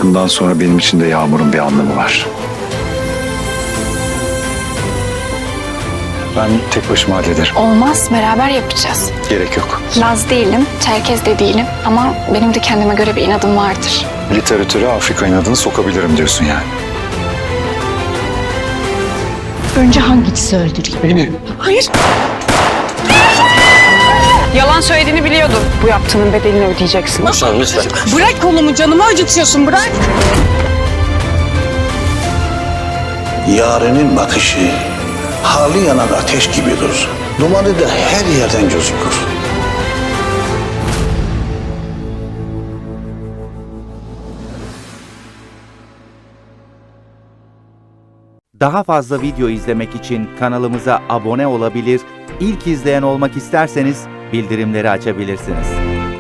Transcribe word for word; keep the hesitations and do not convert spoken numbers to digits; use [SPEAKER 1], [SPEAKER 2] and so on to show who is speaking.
[SPEAKER 1] Bundan sonra benim için de Yağmur'un bir anlamı var. Ben tek başıma hallederim.
[SPEAKER 2] Olmaz, beraber yapacağız.
[SPEAKER 1] Gerek yok.
[SPEAKER 2] Laz değilim, Çerkez de değilim ama benim de kendime göre bir inadım vardır.
[SPEAKER 1] Literatüre Afrika inadını sokabilirim diyorsun yani.
[SPEAKER 3] Önce hangisi öldüreyim?
[SPEAKER 1] Beni.
[SPEAKER 3] Hayır.
[SPEAKER 4] Yalan söylediğini biliyordum. Bu yaptığının bedelini ödeyeceksin.
[SPEAKER 5] Lütfen lütfen.
[SPEAKER 4] Bırak kolumu, canımı acıtıyorsun, bırak.
[SPEAKER 6] Yarenin bakışı hali yanan ateş gibidir. Dumanı da her yerden gözükür.
[SPEAKER 7] Daha fazla video izlemek için kanalımıza abone olabilir, ilk izleyen olmak isterseniz bildirimleri açabilirsiniz.